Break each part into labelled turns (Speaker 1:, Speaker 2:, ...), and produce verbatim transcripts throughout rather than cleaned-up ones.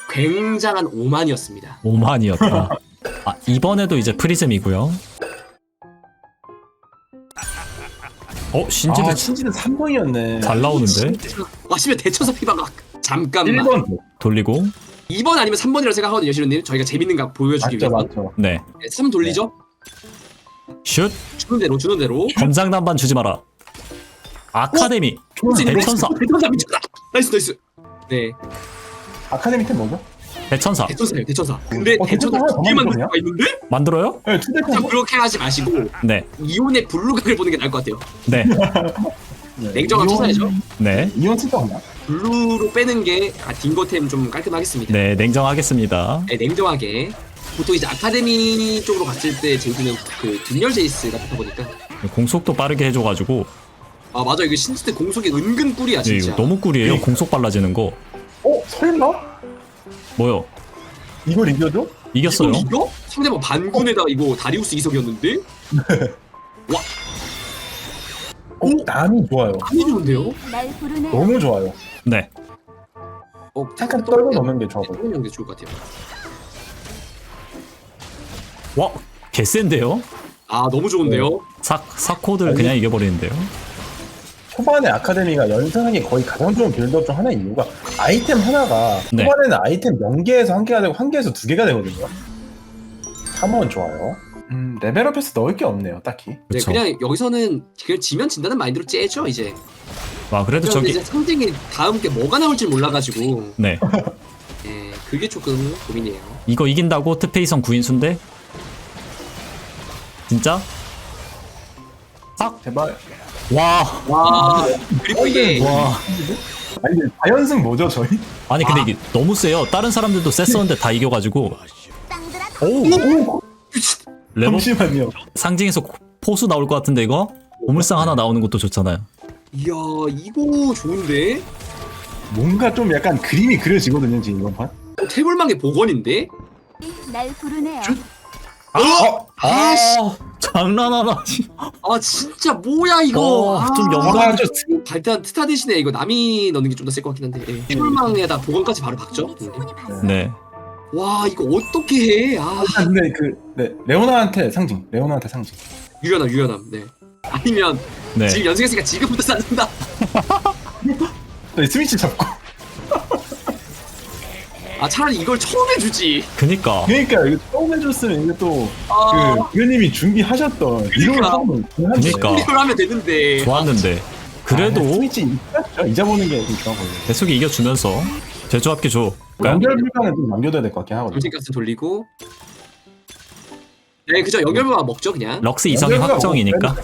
Speaker 1: 굉장한 오만이었습니다.
Speaker 2: 오만이었다. 아, 이번에도 이제 프리즘이고요. 어, 신지도
Speaker 3: 아, 신지는 삼 번이었네.
Speaker 2: 잘 나오는데?
Speaker 1: 와, 씨발 대천사 피바가 잠깐만.
Speaker 3: 일 번.
Speaker 2: 돌리고.
Speaker 1: 이 번 아니면 삼 번이라고 생각하거든요, 시루님. 저희가 재밌는 거 보여주기
Speaker 3: 맞죠,
Speaker 1: 위해서.
Speaker 3: 맞죠.
Speaker 2: 네.
Speaker 1: 네, 삼 돌리죠?
Speaker 2: 슛.
Speaker 1: 주는 대로, 주는 대로.
Speaker 2: 검장단반 주지 마라. 아카데미. 대천사.
Speaker 1: 대천사 미쳤다. 나이스, 나이스. 네,
Speaker 3: 아카데미 템 뭐죠?
Speaker 2: 대천사.
Speaker 1: 대천사예요, 대천사. 근데
Speaker 3: 어,
Speaker 1: 대천사
Speaker 3: 대천사
Speaker 1: 두 개 만들
Speaker 3: 하나
Speaker 1: 수가 있는데?
Speaker 2: 만들어요?
Speaker 3: 네, 투대
Speaker 1: 자,
Speaker 3: 템.
Speaker 1: 그렇게 하지 마시고
Speaker 2: 네.
Speaker 1: 이온의 블루각을 보는 게 나을 것 같아요.
Speaker 2: 네.
Speaker 1: 냉정한 투사이죠?
Speaker 2: 네.
Speaker 3: 이온 쓸 없나?
Speaker 1: 블루로 빼는 게 아, 딩거템 좀 깔끔하겠습니다.
Speaker 2: 네, 냉정하겠습니다.
Speaker 1: 네, 냉정하게. 보통 이제 아카데미 쪽으로 갔을 때 제이드는 그 뒷열 제이스 같다 보니까.
Speaker 2: 공속도 빠르게 해줘가지고.
Speaker 1: 아 맞아, 이거 신스테 공속이 은근 꿀이야
Speaker 2: 네,
Speaker 1: 진짜.
Speaker 2: 이거 너무 꿀이에요. 공속 빨라지는 거.
Speaker 3: 어? 설마?
Speaker 2: 뭐요?
Speaker 3: 이걸 이겨줘?
Speaker 2: 이겼어요.
Speaker 1: 이거 이거? 상대방 반군에다 이거 다리우스 이석이었는데? 와,
Speaker 3: 어? 남이 좋아요.
Speaker 1: 많이 좋은데요?
Speaker 4: 날 부르네.
Speaker 3: 너무 좋아요.
Speaker 2: 네.
Speaker 1: 어,
Speaker 3: 잠깐 떨고 넣는 게 좋아 보여.
Speaker 1: 떨고 게 좋을 것 같아요.
Speaker 2: 와, 개센데요?
Speaker 1: 아 너무 좋은데요?
Speaker 2: 사, 사코드를 그냥 이겨버리는데요?
Speaker 3: 초반에 아카데미가 연승하기 거의 가장 좋은 빌드업 중 하나의 이유가 아이템 하나가
Speaker 2: 네.
Speaker 3: 초반에는 아이템 영 개에서 한 개가 되고 한 개에서 두 개가 되거든요. 삼 원 좋아요. 음, 레벨업해서 넣을 게 없네요, 딱히.
Speaker 1: 네,
Speaker 2: 그쵸.
Speaker 1: 그냥 여기서는 그냥 지면 진다는 마인드로 째죠 이제.
Speaker 2: 와, 그래도
Speaker 1: 그런데
Speaker 2: 저기.
Speaker 1: 이제 상징이 다음 게 뭐가 나올지 몰라가지고.
Speaker 2: 네.
Speaker 1: 예, 그게 조금 고민이에요.
Speaker 2: 이거 이긴다고 트페이성 구인수인데? 진짜? 싹!
Speaker 3: 제발.
Speaker 2: 와.
Speaker 1: 와, 그리고 이게
Speaker 2: 와.
Speaker 3: 아니, 근데 다연승 뭐죠, 저희?
Speaker 2: 아니, 근데 이게 너무 세요. 다른 사람들도 셌었는데 다 이겨가지고.
Speaker 4: 땅들아
Speaker 2: 오!
Speaker 3: 오!
Speaker 2: 레버
Speaker 3: 잠시만요.
Speaker 2: 상징에서 포수 나올 것 같은데, 이거? 보물상 하나 나오는 것도 좋잖아요.
Speaker 1: 이야 이거 좋은데?
Speaker 3: 뭔가 좀 약간 그림이 그려지거든요, 지금 이번 판.
Speaker 1: 어, 태블망의 복원인데?
Speaker 4: 날 부르네요.
Speaker 1: 어? 아, 씨.
Speaker 2: 장난하나.
Speaker 1: 아 진짜 뭐야 이거.
Speaker 2: 어,
Speaker 1: 아,
Speaker 2: 좀 영광.
Speaker 3: 아, 저
Speaker 1: 발탄 트타 대신에 이거 남이 넣는 게 좀 더 셀 것 같긴 한데. 예. 태블망에다 복원까지 바로 박죠.
Speaker 4: 충분히 봤어.
Speaker 2: 네.
Speaker 1: 와 이거 어떻게 해? 아
Speaker 3: 아, 근데 그, 네, 레오나한테 상징. 레오나한테 상징.
Speaker 1: 유연함 유연함. 네. 아니면
Speaker 2: 네.
Speaker 1: 지금 연승했으니까 지금부터 쌓는다.
Speaker 3: 네, 스위치 잡고.
Speaker 1: 아 차라리 이걸 처음 해주지.
Speaker 2: 그니까.
Speaker 3: 그러니까 이거 처음 해줬으면 이게 또
Speaker 1: 아
Speaker 3: 그 의원님이 준비하셨던 이런
Speaker 1: 그러니까.
Speaker 3: 처음
Speaker 2: 그러니까.
Speaker 1: 이걸 하면 되는데.
Speaker 2: 좋았는데. 그래도
Speaker 3: 아, 스위치 잊죠? 잊어보는 게 좀 좋아 보여요.
Speaker 2: 계속 이겨주면서 제조합계 줘.
Speaker 3: 연결 불가는 좀 남겨둬야 될 것 같긴 하거든요.
Speaker 1: 돌진가스 돌리고. 네 그죠, 연결부가 먹죠 그냥.
Speaker 2: 럭스 이성이
Speaker 3: 연결부가
Speaker 2: 확정이니까.
Speaker 3: 뭐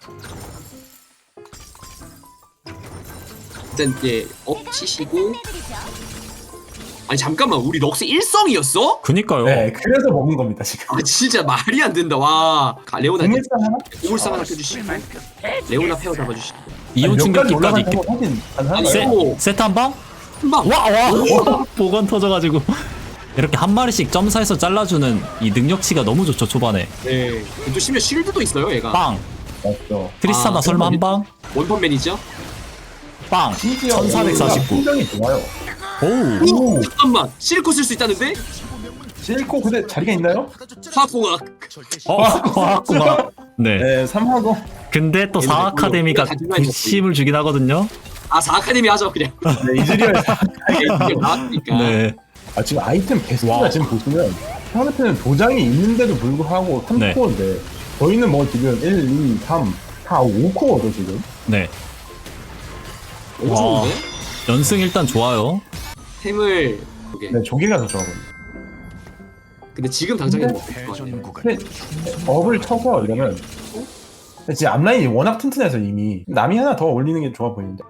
Speaker 1: 일단 예업 치시고. 아니 잠깐만, 우리 럭스 일성이었어?
Speaker 2: 그니까요.
Speaker 3: 네, 그래서 먹은 겁니다 지금.
Speaker 1: 아 진짜 말이 안 된다. 와 가- 레오나
Speaker 3: 국물상 하나?
Speaker 1: 고물상 하나 펴주시고 레오나 페어 잡아주시고.
Speaker 2: 이온
Speaker 3: 아니, 몇 가지
Speaker 2: 충격기까지
Speaker 3: 올라간
Speaker 2: 있겠.
Speaker 3: 거 확인 가능한가요?
Speaker 1: 아니,
Speaker 2: 세,
Speaker 1: 오.
Speaker 2: 세트 한 방?
Speaker 1: 한방.
Speaker 2: 와, 와, 보건 터져가지고. 이렇게 한 마리씩 점사해서 잘라주는 이 능력치가 너무 좋죠, 초반에.
Speaker 1: 네. 또 심지어 실드도 있어요 얘가.
Speaker 2: 빵!
Speaker 3: 맞죠.
Speaker 2: 트리스타나
Speaker 1: 아,
Speaker 2: 설마 한 방?
Speaker 1: 원펀맨이죠?
Speaker 2: 빵!
Speaker 3: 심지어
Speaker 2: 천사백사십구.
Speaker 3: 굉장히 좋아요.
Speaker 2: 오우!
Speaker 1: 오 잠깐만, 실코 쓸 수 있다는데?
Speaker 3: 실코 근데 자리가 있나요?
Speaker 1: 화공학.
Speaker 2: 어, 화학공학. 네.
Speaker 3: 네, 삼 하고.
Speaker 2: 근데 또 사 아카데미가 구십을 주긴 하거든요.
Speaker 1: 아 사 아카데미 하죠 그냥.
Speaker 3: 네, 이즈리얼
Speaker 1: 이게 나왔으니까.
Speaker 2: 네.
Speaker 3: 아 지금 아이템 개수가
Speaker 2: 와.
Speaker 3: 지금 보시면 상대편은 도장이 있는데도 불구하고 삼
Speaker 2: 네.
Speaker 3: 코어인데 저희는 뭐 지금 일, 이, 삼, 사, 오 코어죠 지금.
Speaker 2: 네.
Speaker 1: 너무
Speaker 2: 와.
Speaker 1: 좋은데?
Speaker 2: 연승 일단 좋아요.
Speaker 1: 템을 오케이.
Speaker 3: 네, 조개가 더 좋아 보여요.
Speaker 1: 근데 지금 당장에는 뭐
Speaker 3: 근데 업을 쳐서 이러면 근데 지금 앞라인이 워낙 튼튼해서 이미 남이 하나 더 올리는 게 좋아 보이는데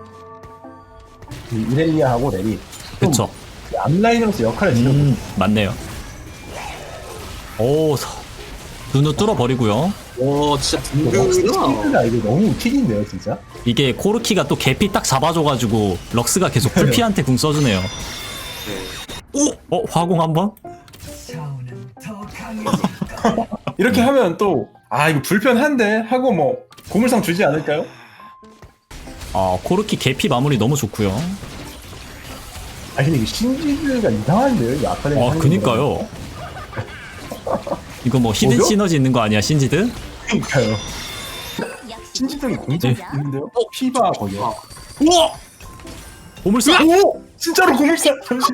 Speaker 3: 이 이렐리아하고 렐이 좀
Speaker 2: 그쵸.
Speaker 3: 그 앞라인으로서 역할을 지금
Speaker 2: 음, 맞네요. 오, 서- 눈을 뚫어버리고요.
Speaker 1: 와 진짜 든든하다.
Speaker 3: 스피드가 이거 너무 킥인데요 진짜.
Speaker 2: 이게 코르키가 또 개피 딱 잡아줘가지고 럭스가 계속 풀피한테 궁 써주네요.
Speaker 1: 오!
Speaker 2: 어? 화공 한 번?
Speaker 3: 이렇게 하면 또 아 이거 불편한데 하고 뭐 고물상 주지 않을까요?
Speaker 2: 아, 코르키 개피 마무리 너무 좋고요.
Speaker 3: 아 근데 이게 신지가 이상한데요? 이 아카데미.
Speaker 2: 아
Speaker 3: 하는
Speaker 2: 그니까요. 이거 뭐 히든
Speaker 3: 뭐죠?
Speaker 2: 시너지 있는 거 아니야 신지드?
Speaker 3: 거. 그니까요.
Speaker 4: 역시
Speaker 3: 신지적인 공작
Speaker 2: 네.
Speaker 3: 있는데요? 어? 피바 거기요.
Speaker 1: 아,
Speaker 2: 우와! 보물상!
Speaker 3: 오! 진짜로 고물상! 잠시.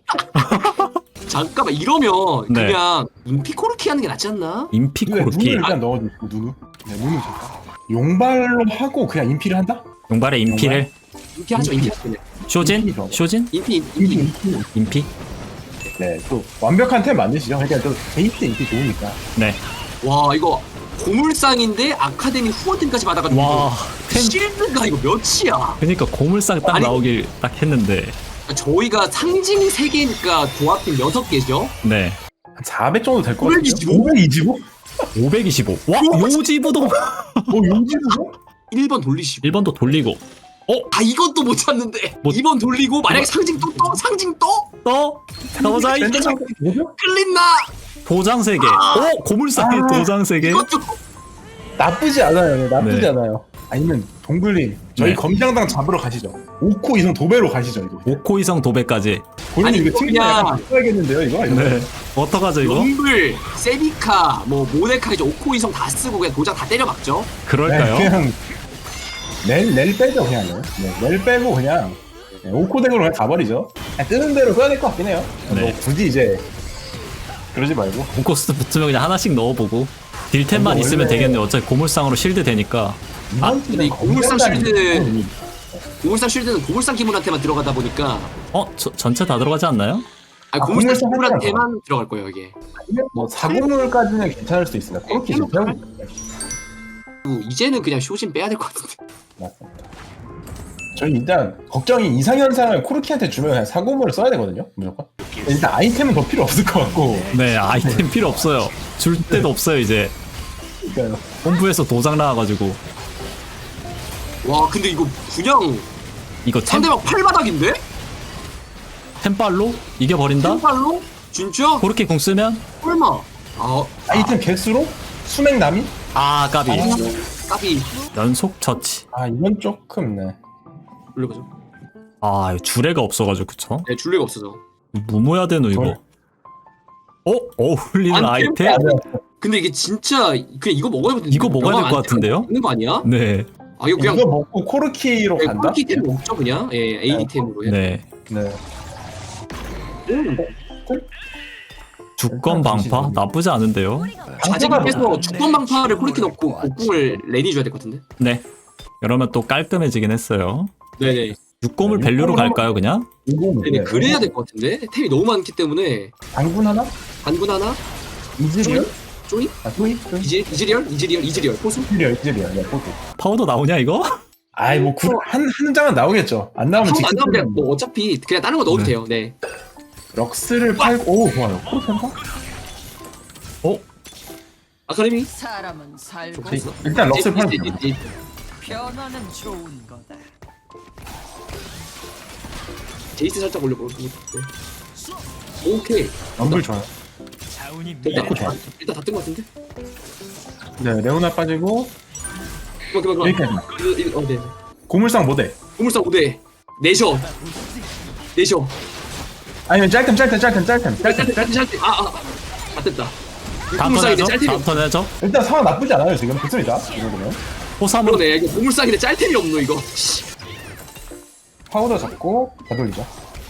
Speaker 1: 잠깐만 이러면
Speaker 2: 네.
Speaker 1: 그냥 인피코르키 하는 게 낫지 않나?
Speaker 3: 눈에
Speaker 2: 인피코르키.
Speaker 3: 눈을 일단 넣어주고 누누. 네, 누누 잠깐. 용발로 하고 그냥 인피를 한다?
Speaker 2: 용발의 인피를.
Speaker 1: 인피 하죠 인피 하죠 그냥.
Speaker 2: 쇼진?
Speaker 3: 인피죠.
Speaker 2: 쇼진?
Speaker 1: 인피
Speaker 3: 인피
Speaker 1: 인피
Speaker 3: 인피.
Speaker 2: 인피?
Speaker 3: 네, 또 완벽한 템 만드시죠. 그러니까 또 베이스 인피 좋으니까.
Speaker 2: 네.
Speaker 1: 와 이거 고물상인데 아카데미 후원팀까지 받아가지고
Speaker 2: 와, 템.
Speaker 1: 실드가 이거 몇이야?
Speaker 2: 그니까 고물상 딱
Speaker 1: 아니-
Speaker 2: 나오길 딱 했는데.
Speaker 1: 저희가 상징 세 개니까 조합팀 여섯 개죠.
Speaker 2: 네.
Speaker 3: 한 사백 정도 될 것 같아요.
Speaker 1: 오백이십오?
Speaker 3: 오백이십오?
Speaker 2: 오백이십오. 와, 요지부동!
Speaker 3: 뭐 용지도?
Speaker 1: 일 번 돌리시고.
Speaker 2: 일 번도 돌리고.
Speaker 1: 아 이건 또 못 찾는데.
Speaker 2: 뭐-
Speaker 1: 이 번 돌리고 만약에 상징 또 떠? 상징 떠?
Speaker 2: 또? 가보자, 이
Speaker 3: 랜덤 뭐죠?
Speaker 1: 끌린다.
Speaker 2: 도장 세 개. 오! 고물상에
Speaker 3: 아.
Speaker 2: 도장 세 개.
Speaker 1: 이것도
Speaker 3: 나쁘지 않아요. 네, 나쁘지
Speaker 2: 네.
Speaker 3: 않아요. 아니면 동글님 저희
Speaker 2: 네.
Speaker 3: 검장당 잡으러 가시죠. 오코 이성 도배로 가시죠 이거.
Speaker 2: 오코 이성 도배까지.
Speaker 3: 본인
Speaker 1: 아니,
Speaker 3: 이거
Speaker 1: 이거
Speaker 3: 튕기면
Speaker 1: 그냥-
Speaker 3: 약간 써야겠는데요 이거? 이거?
Speaker 2: 네. 어떡하죠, 이거?
Speaker 1: 럼블, 세비카, 뭐 모데카 이제 오코 이성 다 쓰고 그냥 도장 다 때려박죠.
Speaker 2: 그럴까요?
Speaker 3: 네, 그냥 렐, 렐 빼죠 그냥. 네, 렐 빼고 그냥 네, 오코 덱으로 그냥 가버리죠. 그냥 뜨는 대로 써야 될 것 같긴 해요.
Speaker 2: 네.
Speaker 3: 뭐 굳이 이제 그러지 말고.
Speaker 2: 오코스 붙으면 그냥 하나씩 넣어보고. 딜템만
Speaker 3: 근데
Speaker 2: 있으면
Speaker 3: 원래-
Speaker 2: 되겠네. 어차피 고물상으로 실드 되니까.
Speaker 3: 이번
Speaker 1: 근데 이
Speaker 3: 주는
Speaker 1: 고물상
Speaker 3: 검장당이
Speaker 1: 실드-
Speaker 3: 있고,
Speaker 1: 고물상 쉴드는 고물상 기물한테만 들어가다 보니까
Speaker 2: 어? 저, 전체 다 들어가지 않나요?
Speaker 1: 아니
Speaker 3: 아,
Speaker 1: 고물상
Speaker 3: 고물상
Speaker 1: 기물한테만 들어갈 거예요 이게.
Speaker 3: 뭐 사고물까지는 괜찮을 수도 있습니다. 그렇게
Speaker 1: 그냥
Speaker 3: 지금
Speaker 1: 그리고 이제는 그냥 쇼진 빼야 될 것 같은데.
Speaker 3: 맞습니다. 저희 일단 걱정이 이상현상을 코르키한테 주면 그냥 사고물을 써야 되거든요. 무조건. 일단 아이템은 더 필요 없을 것 같고.
Speaker 2: 네, 아이템 필요 없어요. 줄 데도 없어요, 이제.
Speaker 3: 그러니까요.
Speaker 2: 본부에서 도장 나와가지고.
Speaker 1: 와 근데 이거 그냥
Speaker 2: 이거 템,
Speaker 1: 상대방 팔바닥인데?
Speaker 2: 템빨로 이겨버린다?
Speaker 1: 팔로? 진짜?
Speaker 2: 그렇게 공 쓰면?
Speaker 1: 설마? 아
Speaker 3: 아이템 개수로 수맥 남이?
Speaker 2: 아, 까비.
Speaker 1: 까비
Speaker 2: 연속 처치.
Speaker 3: 아 이건 조금 네.
Speaker 1: 올려보죠.
Speaker 2: 아, 이거 주례가 없어가지고, 그쵸?
Speaker 1: 네 줄레가 없어서.
Speaker 2: 무모야 되노, 이거. 어? 어울리는
Speaker 1: 아니,
Speaker 2: 아이템?
Speaker 1: 근데 이게 진짜 그냥 이거 먹어야 되는데
Speaker 2: 이거 먹어야 될 것 같은데요?
Speaker 1: 있는 거 아니야?
Speaker 2: 네.
Speaker 1: 아 이거 그냥
Speaker 3: 이거 먹고 코르키로
Speaker 1: 네,
Speaker 3: 간다?
Speaker 1: 콜키템 먹죠 그냥. 예, 에이템으로 해.
Speaker 2: 네.
Speaker 3: 네.
Speaker 1: 음.
Speaker 2: 주권 방파? 나쁘지 않은데요?
Speaker 1: 자직께서 주권 방파를 콜키 넣고 곡궁을 레니 줘야 될 것 같은데.
Speaker 2: 네. 이러면 또 깔끔해지긴 했어요.
Speaker 1: 네네.
Speaker 2: 육검을
Speaker 3: 네,
Speaker 2: 밸류로
Speaker 3: 육검을
Speaker 2: 갈까요, 그냥?
Speaker 3: 이거
Speaker 1: 네네 그래야 될 것 같은데 템이 너무 많기 때문에
Speaker 3: 당군 하나?
Speaker 1: 반군 하나,
Speaker 3: 이즈리얼?
Speaker 1: 쪼이,
Speaker 3: 아 또이?
Speaker 1: 이지 이즈리얼, 이즈리얼, 이즈리얼, 포수.
Speaker 3: 이즈리얼 이즈리얼 네 포트.
Speaker 2: 파우더 나오냐, 이거?
Speaker 3: 아이 뭐한한 장은 나오겠죠. 안 나오면
Speaker 1: 한안 나오면 그냥
Speaker 3: 직접
Speaker 1: 뭐 어차피 그냥 다른 거 넣어도
Speaker 2: 네.
Speaker 1: 돼요. 네.
Speaker 3: 럭스를 팔고 오 좋아요. 코르키인가?
Speaker 2: 어?
Speaker 1: 아카데미.
Speaker 5: 사람은 살고
Speaker 1: 돼 있어.
Speaker 3: 일단 럭스를 팔고
Speaker 1: 이- 이- 이-
Speaker 5: 변화는 좋은 거다.
Speaker 1: 제이스 살짝 올려보고. 오케이.
Speaker 3: 럼블 좋아요.
Speaker 1: 됐다.
Speaker 3: 좋고 좋아.
Speaker 1: 일단 다 뜬 것 같은데.
Speaker 3: 네 레오나 빠지고
Speaker 1: 그만 그만 그만.
Speaker 3: 여기까지.
Speaker 1: 일- 일- 어 네.
Speaker 3: 고물상 모델.
Speaker 1: 고물상 오 대. 내셔. 내셔.
Speaker 3: 아니면 짤템 짤템 짤템 짤템
Speaker 1: 짤,
Speaker 3: 짤템.
Speaker 1: 짤, 짤, 짤, 짤. 아, 아. 아, 됐다.
Speaker 2: 다음 턴
Speaker 1: 고물상인데
Speaker 2: 해죠?
Speaker 1: 짤템이
Speaker 2: 다음
Speaker 1: 없.
Speaker 2: 턴 해죠?
Speaker 3: 일단 상황 나쁘지 않아요 지금 좋습니다. 이러면
Speaker 2: 호삼으로.
Speaker 1: 그러네. 이거 고물상인데 짤템이 없노 이거. 씨.
Speaker 3: 파우더 잡고 가돌리죠.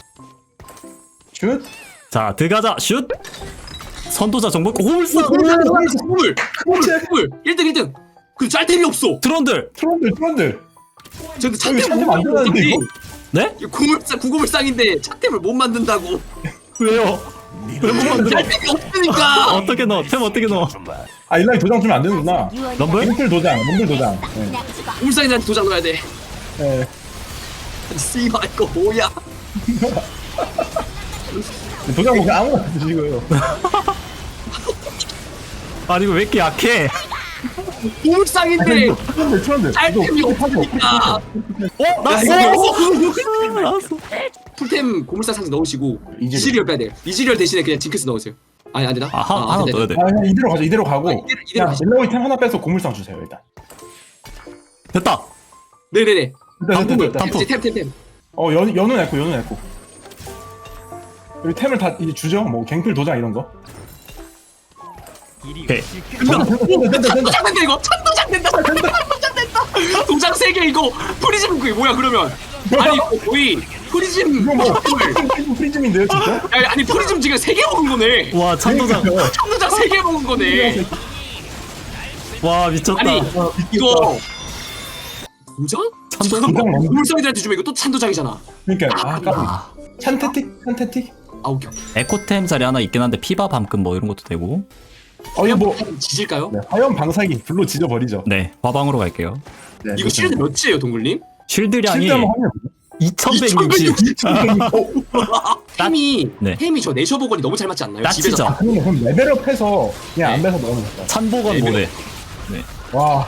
Speaker 3: 슛.
Speaker 2: 자, 들어가자. 슛! 선도자 정보. 호물상!
Speaker 1: 고물. 고물.
Speaker 3: 그렇지.
Speaker 1: 고물. 일 등 일 등. 그 짤템이 없어.
Speaker 2: 드론들!
Speaker 3: 트론들 트론들.
Speaker 1: 저기
Speaker 3: 여기
Speaker 1: 찻템
Speaker 3: 찻템
Speaker 1: 못
Speaker 3: 안 들어가는데,
Speaker 1: 만드는데
Speaker 3: 이거?
Speaker 2: 네?
Speaker 1: 고물상 구고물상인데 찻템을 못 만든다고.
Speaker 2: 왜요? 왜 못 만들어?
Speaker 1: 짤템이 없으니까.
Speaker 2: 어떻게 넣어? 템 어떻게 넣어?
Speaker 3: 아 일라이 도장 주면 안 되는구나.
Speaker 2: 럼블?
Speaker 3: 럼블 도장 럼블 도장. 네.
Speaker 4: 낙지가
Speaker 1: 고물상인한테 도장 넣어야 돼.
Speaker 3: 네.
Speaker 1: 씨발 이거 뭐야?
Speaker 3: 도장 뭐 그냥 아무나 드시고요.
Speaker 2: 아니, 이거 왜 이렇게 약해?
Speaker 1: 고물상인데
Speaker 3: 트론들 트론들.
Speaker 1: 짤템이 없으니까.
Speaker 2: 어?
Speaker 1: 야,
Speaker 2: 났어!
Speaker 1: 이거
Speaker 2: 났어!
Speaker 1: 풀템 고물상 상자 넣으시고
Speaker 3: 이즈리얼.
Speaker 1: 이즈리얼 빼야 돼요. 이즈리얼 대신에 그냥 징크스 넣으세요. 아니 안 되나?
Speaker 2: 아, 하, 하나
Speaker 1: 안
Speaker 2: 넣어야
Speaker 1: 되네.
Speaker 2: 돼.
Speaker 3: 아 그냥 이대로 가죠 이대로 가고.
Speaker 1: 아, 이대로- 이대로
Speaker 3: 그냥
Speaker 1: 가시죠.
Speaker 3: 일라이 템 하나 빼서 고물상 주세요 일단.
Speaker 2: 됐다!
Speaker 1: 네네네.
Speaker 3: 일단 일단
Speaker 2: 단풍을,
Speaker 3: 일단.
Speaker 2: 단풍.
Speaker 1: 이제 템템템.
Speaker 3: 어 연, 연우 냈고 연우 냈고. 여기 템을 다 이제 주죠. 뭐 갱플 도장 이런 거.
Speaker 2: 오케이.
Speaker 3: 된다, 된다, 된다, 된다.
Speaker 1: 찬도장 된다 이거. 찬도장 된다. 찬도장 된다. 도장 세 개 이거 프리즘 그게 뭐야 그러면? 아니 이거 거의 프리즘
Speaker 3: 이거 뭐
Speaker 1: 헐.
Speaker 3: 프리즘, 프리즘인데요, 진짜?
Speaker 1: 아니, 아니 프리즘 지금 세 개 먹은 거네.
Speaker 2: 와 찬도장.
Speaker 3: 그러니까요.
Speaker 1: 찬도장 세 개 먹은 거네.
Speaker 2: 와 미쳤다.
Speaker 1: 아니 이거 도장?
Speaker 2: 찬도장.
Speaker 3: 도장 먹는
Speaker 1: 물성이들한테 주면 이거 또 찬도장이잖아.
Speaker 3: 그러니까 아, 까비.
Speaker 2: 아,
Speaker 3: 찬테틱, 찬테틱.
Speaker 1: 아 오케이.
Speaker 2: 에코템 자리 하나 있긴 한데 피바 밤금 뭐 이런 것도 되고.
Speaker 3: 어 이거 뭐
Speaker 1: 지질까요?
Speaker 3: 네, 화염 방사기 불로 지져 버리죠.
Speaker 2: 네 화방으로 갈게요.
Speaker 3: 네,
Speaker 1: 이거 실드 몇이에요 동글님?
Speaker 2: 쉴드량이
Speaker 3: 실드 한번 하면
Speaker 2: 이천백육십.
Speaker 1: 템이
Speaker 2: 네.
Speaker 1: 템이 저 내셔보건이 너무 잘 맞지 않나요?
Speaker 2: 따치죠.
Speaker 1: 집에서
Speaker 3: 그러면 그럼 레벨업해서 그냥 안
Speaker 1: 네.
Speaker 3: 배서 넣으면 된다.
Speaker 2: 찬보건
Speaker 1: 네,
Speaker 2: 모델.
Speaker 3: 와,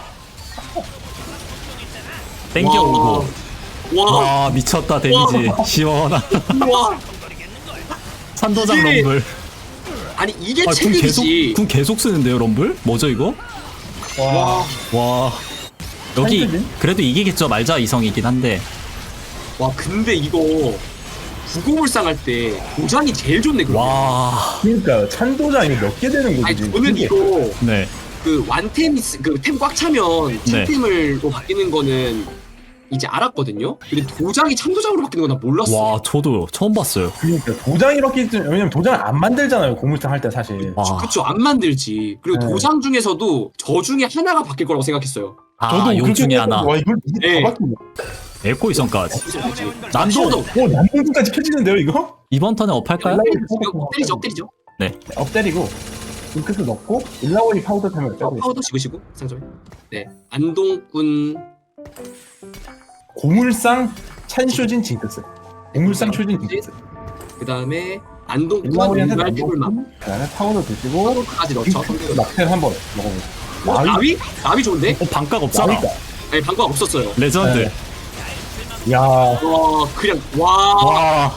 Speaker 2: 땡겨오고.
Speaker 1: 와,
Speaker 2: 와 미쳤다 데미지. 시원한.
Speaker 1: 와.
Speaker 2: 찬도장
Speaker 1: 이게
Speaker 2: 럼블.
Speaker 1: 아니 이게
Speaker 2: 아, 궁 계속
Speaker 1: 체급이지.
Speaker 2: 궁 계속 쓰는데요 럼블? 뭐죠 이거?
Speaker 3: 와,
Speaker 1: 와,
Speaker 2: 와 여기
Speaker 3: 찬드진?
Speaker 2: 그래도 이기겠죠 말자 이성이긴 한데.
Speaker 1: 와 근데 이거 구고물상 할 때 도장이 제일 좋네 그럼.
Speaker 2: 와.
Speaker 3: 그러니까요. 찬도장 이거 몇 개 되는 거지?
Speaker 1: 아니
Speaker 3: 지금?
Speaker 1: 저는
Speaker 3: 이게.
Speaker 1: 이거
Speaker 2: 네.
Speaker 1: 그 완템 그템 꽉 차면
Speaker 2: 네.
Speaker 1: cham템으로 바뀌는 거는 이제 알았거든요. 근데 도장이 참도장으로 바뀌는 건 나 몰랐어.
Speaker 2: 와 저도 처음 봤어요.
Speaker 3: 그러니까 도장 이렇게 좀- 왜냐면 도장을 안 만들잖아요. 고물상 할 때 사실.
Speaker 2: 와.
Speaker 1: 그쵸 안 만들지. 그리고
Speaker 3: 네.
Speaker 1: 도장 중에서도 저 중에 하나가 바뀔 거라고 생각했어요.
Speaker 2: 아, 요
Speaker 3: 그렇게
Speaker 2: 중에 하나.
Speaker 3: 생각하고, 와 이걸 이게
Speaker 1: 네.
Speaker 3: 다 바뀌네.
Speaker 2: 에코 이성까지.
Speaker 1: 난도
Speaker 2: 난도.
Speaker 3: 오 난동까지 켜지는데요 이거?
Speaker 2: 이번 턴에 업할까요?
Speaker 1: 때리죠 때리죠.
Speaker 3: 업 때리고 잉크스 넣고 일라오이 파우더 타면 빼고 있어.
Speaker 1: 파우더 지그시고 상점에. 네 안동군
Speaker 3: 고물상 찬쇼진 징크스. 고물상 쇼진 징크스.
Speaker 1: 그 다음에 안동군
Speaker 3: 일라오이한테
Speaker 1: 유발
Speaker 3: 넣고
Speaker 1: 태블망
Speaker 3: 그다음에 파우더 드시고
Speaker 1: 파우더까지 넣죠.
Speaker 3: 잉크스 낙텔 한번 먹어보세요.
Speaker 1: 어, 나위? 나위 좋은데?
Speaker 2: 어 반각 없잖아.
Speaker 3: 나위가.
Speaker 1: 아니 방법 없었어요.
Speaker 2: 레전드.
Speaker 3: 네. 야
Speaker 1: 와 그냥 와,
Speaker 2: 와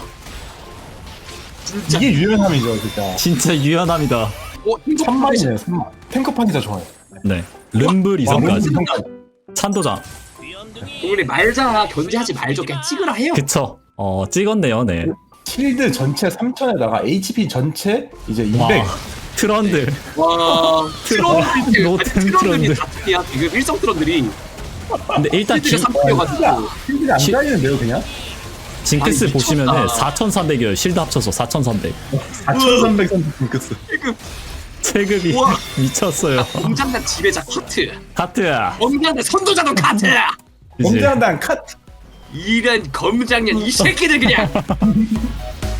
Speaker 1: 진짜
Speaker 3: 이게 유연함이죠 진짜.
Speaker 2: 진짜 유연함이다.
Speaker 1: 어, 행복
Speaker 3: 삼만이네요 삼만. 탱커판이 더 좋아요.
Speaker 2: 네. 름블 이성까지.
Speaker 3: 이성까지.
Speaker 2: 찬도장.
Speaker 1: 우리 말자 견제하지 말죠. 그냥 찍으라 해요.
Speaker 2: 그쵸. 어 찍었네요. 네.
Speaker 3: 실드 전체 삼천에다가 에이치피 전체 이제 이백.
Speaker 2: 와. 트런들.
Speaker 1: 와 트런들
Speaker 2: 노템
Speaker 1: 트런들이
Speaker 2: 트런들.
Speaker 1: 다 특이야. 지금 일성 트런들이
Speaker 2: 근데 일단
Speaker 1: 실드가
Speaker 2: 지,
Speaker 1: 삼성이어가지고
Speaker 3: 실드가 안
Speaker 2: 시-
Speaker 3: 잘리는데요 그냥?
Speaker 2: 징크스
Speaker 1: 아니, 미쳤다.
Speaker 2: 보시면은 사천삼백이에요. 실드 합쳐서 사천삼백.
Speaker 3: 사천삼백 선수 징크스.
Speaker 1: 지금
Speaker 2: 체급이
Speaker 1: 우와.
Speaker 2: 미쳤어요.
Speaker 1: 공장단 지배자 카트,
Speaker 2: 카트야.
Speaker 1: 검장단 선도자도 카트.
Speaker 2: 이제
Speaker 3: 공장단 컷.
Speaker 1: 이런 검장년 이 새끼들 그냥.